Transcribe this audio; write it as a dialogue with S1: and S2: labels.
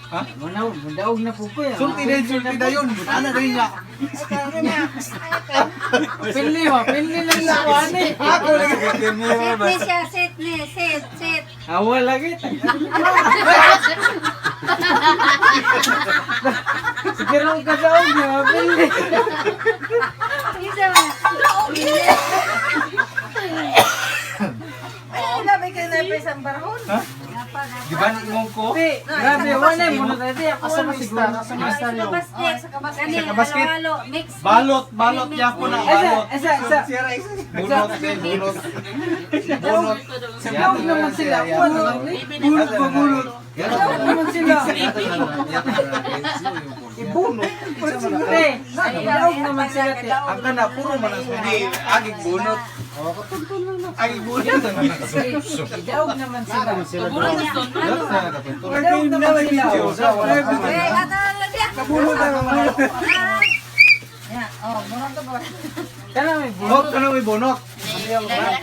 S1: Ha?
S2: Madaog na po ko yan.
S1: Sulti na yun. Ano rin nga?
S2: Pinli mo, pinli lang na ko ani.
S1: Ako nagkakatin mo
S3: Sit
S1: ba?
S3: ni siya, sit ni, sit.
S2: Awa lagi. Siguro ka daog niya, pinli.
S3: Isa ba?
S4: Grabe kayo na pa isang barhon.
S1: Ha? Di ba ni mo ko?
S2: Grabe, wala mo na dati. Ako
S1: Asa
S2: ano
S1: mo
S2: siguro.
S1: Asa mo
S3: Sa kabasket.
S1: Sa kabasket?
S3: Halo-halo, mix.
S1: Balot niya po na
S2: Isa.
S1: Bunot kay bunot. Bunot.
S2: Daog naman sila. Bunot pa bunot. Daog naman sila.
S1: Ibunot.
S2: Daog naman sila.
S1: Ang kana puro man ang hindi agig bunot. Agig bunot.
S2: Daog naman sila.
S3: Ano?
S2: Daog naman sila.
S3: Eh, ano dia?
S1: Kabunot na naman.
S3: Ya, oh, murang to ba?
S2: Kana may bunot.
S1: Bunot ka na may bunot.